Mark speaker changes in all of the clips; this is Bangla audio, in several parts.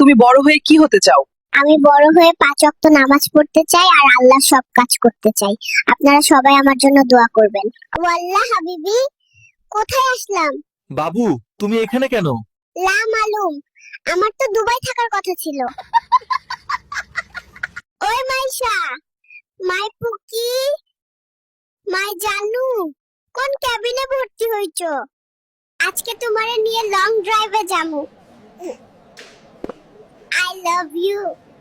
Speaker 1: তুমি বড় হয়ে কি হতে চাও?
Speaker 2: আমি বড় হয়ে 5 ওয়াক্ত নামাজ পড়তে চাই আর আল্লাহর সব কাজ করতে চাই। আপনারা সবাই আমার জন্য দোয়া করবেন। ওয়াল্লাহ হাবিবি, কোথায় আসলাম?
Speaker 3: বাবু, তুমি এখানে কেন?
Speaker 2: লা মালুম, আমার তো দুবাই থাকার কথা ছিল। ওই মাইশা, মাই পুকি, মাই জানু, কোন ক্যাবিনে ভর্তি হইছো? আজকে তোমারে নিয়ে লং ড্রাইভে যামু। I love you.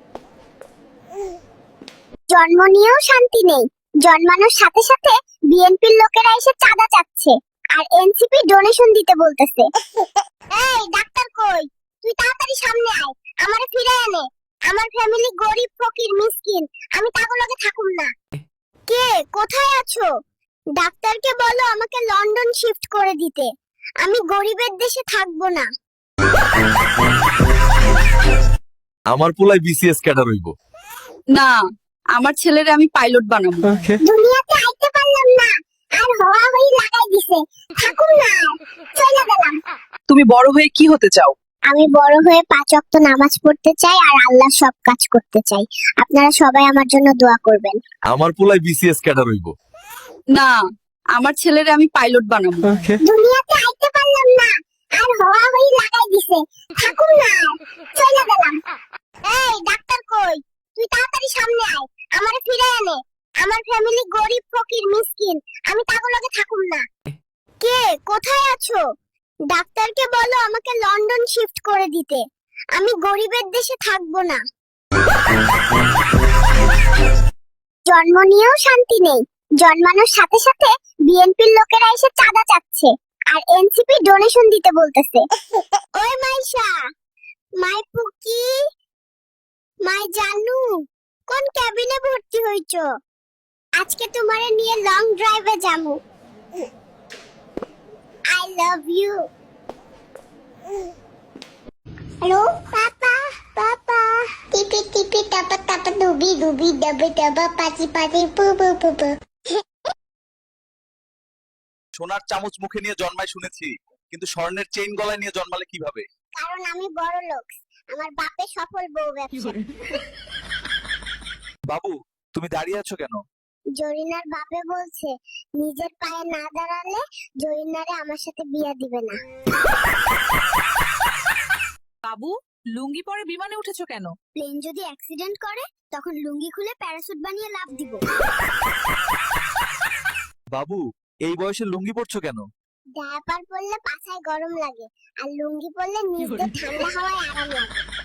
Speaker 2: জন্ম নিয়েও শান্তি নেই, জন্মানোর সাথে সাথে বিএনপির লোকেরা এসে চাঁদা চাচ্ছে আর এনসিপি ডোনেশন দিতে বলতেছে। এই ডাক্তার কই? তুই তাড়াতাড়ি সামনে আয়, আমারে ফিরে এনে। আমার ফ্যামিলি গরিব ফকির মিসকিন, আমি তাগুলোকে থাকুম না। কে কোথায় আছো? ডাক্তারকে বলো আমাকে লন্ডন শিফট করে দিতে, আমি গরিবের দেশে থাকবো না।
Speaker 3: আমার পোলায় বিসিএস ক্যাডার হইব।
Speaker 1: না, আমার ছেলেরে আমি পাইলট বানাবো।
Speaker 2: দুনিয়াতে আইতে পারলাম না, আর হওয়া হই লাগাই দিছে, থাকুম না আর, চলে গেলাম।
Speaker 1: তুমি বড় হয়ে কি হতে চাও?
Speaker 2: আমি বড় হয়ে 5 ওয়াক্ত নামাজ পড়তে চাই আর আল্লাহর সব কাজ করতে চাই। আপনারা সবাই আমার জন্য দোয়া করবেন।
Speaker 3: আমার পোলায় বিসিএস ক্যাডার হইব।
Speaker 1: না, আমার ছেলেরে আমি পাইলট বানাবো।
Speaker 2: দুনিয়াতে আইতে পারলাম না, আর হওয়া হই লাগাই দিছে, থাকুম না আর, চলে গেলাম। এই ডাক্তার কই? তুই তাড়াতাড়ি সামনে আয়, আমারে ফিরে এনে। আমার ফ্যামিলি গরিব ফকির মিসকিন, আমি তাগুলোকে থাকুম না। কে কোথায় আছো? ডাক্তারকে বলো আমাকে লন্ডন শিফট করে দিতে, আমি গরিবের দেশে থাকবো না। জন্ম নিয়েও শান্তি নেই, জন্মানোর সাথে সাথে বিএনপির লোকেরা এসে চাঁদা চাচ্ছে আর এনসিপি ডোনেশন দিতে বলতেছে। ওই মাইশা, মাই পুকি, মাই জানু, কোন ক্যাবিনে ভর্তি হইছো? আজকে তোমারে নিয়ে লং ড্রাইভে যামু। I love you. Hello papa, papa, টিপি টিপি টাপা টাপা ডুবি ডুবি ডাবে ডাবা পাচি পাচি পু পু পু পু।
Speaker 3: সোনার চামচ মুখে নিয়ে জন্মায় শুনেছি, কিন্তু স্বর্ণের চেইন গলায় নিয়ে জন্মালে কিভাবে?
Speaker 2: কারণ আমি বড় লোক, আমার বাপে সফল বউ ব্যবসা।
Speaker 3: বাবু, তুমি দাঁড়িয়ে আছো কেন?
Speaker 2: জরিনার বাপে বলছে নিজের পায়ে না দাঁড়ালে জরিনারে আমার সাথে বিয়া দিবে না।
Speaker 1: বাবু, লুঙ্গি পরে বিমানে উঠেছো কেন?
Speaker 2: প্লেন যদি অ্যাক্সিডেন্ট করে তখন লুঙ্গি খুলে প্যারাসুট বানিয়ে লাফ দিব।
Speaker 3: বাবু, এই বয়সে লুঙ্গি পরছো কেন?
Speaker 2: ডায়াপার পরলে পাছায় গরম লাগে আর লুঙ্গি পরলে নিজ দিয়ে ঠান্ডা হাওয়ায় আরাম লাগে।